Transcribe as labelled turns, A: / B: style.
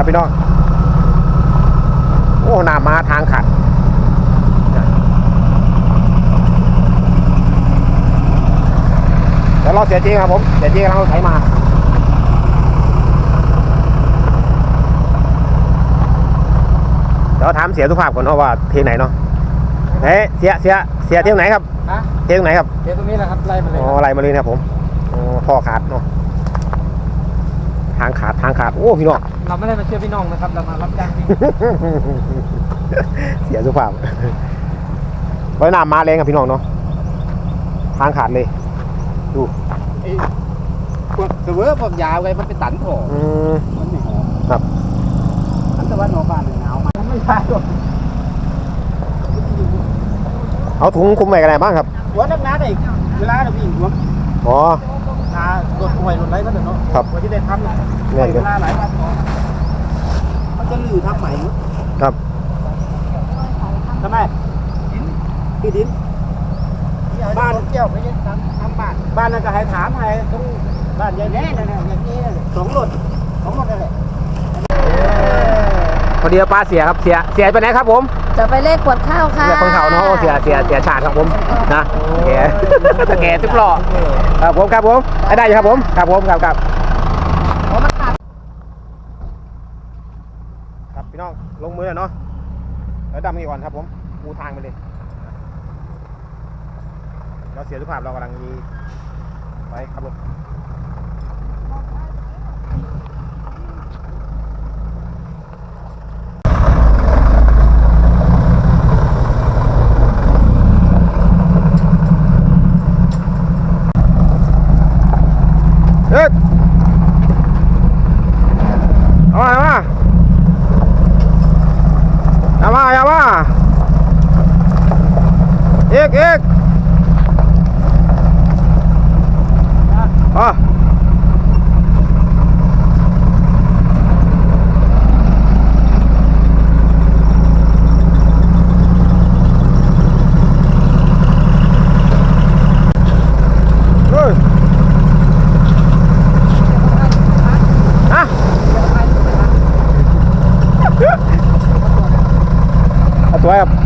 A: พี่น้องโอ้หน้ามาทางขัดเดี๋ยวรอเสียจริงครับผมเสียจริงกำลังไถมาเดี๋ยวถามเสียสุภาพก่อนว่าเทียงไหนเนาะเฮ้ยเสียเทียงไหนครับเทียงไหนครับ
B: เทียงตรงนี้แหละครับไล่มาเลย
A: อ๋อไล่มาเลยนะครับผมอ๋อท่อขาดเนาะทางขาดโอ้พี่น้อง
B: เราไม่ได้มาเชื่อพี่น้องนะครับเรามารับจ้างจริง
A: เสียสุภาพไว้น้ำมาแรงกับพี่น้องเนาะทางขาดเลยดู
B: พวกเสวยผมยาวไงมันเป็นตันถอมันไม่หอม
A: ครับ
B: อันแต่ว่าหนอบ้านหนาวมันไม่ใช่หรอก
A: เอาถุงคุมไปกันไหนบ้างครับ
B: หัวนักน้าได้เวลาเราวิ่งหัว
A: อ๋อ
B: นาโดดป่วยโดดไรก็เดี๋ยวเนาะ
A: ครับ
B: วันที่ได้ทำเนี่ยเวลาหลายวันมันจะลื้อทำใหม่
A: ครับ
B: ทำไมที่ดินบ้านเกี่ยวไม่ใช่ทำบ้านนั่นก็ให้ถามให้ต้องบ้านใหญ่แน่นั่นอย่างนี้2 รถนั่นแหละ
A: พอดีป้าเสียครับเสียไปไหนครับผม
C: จะไปเลขขวดข้าวค่ะ
A: เสียคนเขาเนาะเสียชาติครับผมนะแกตะแกทุกหล่อครับผมได้อยู่ครับผมครับพี่น้องลงมือเนาะแล้วดำนี่ก่อนครับผมปูทางไปเลยเราเสียสุภาพเรากำลังไปขับรถอย่ามาเอกอ๋อสวยครับ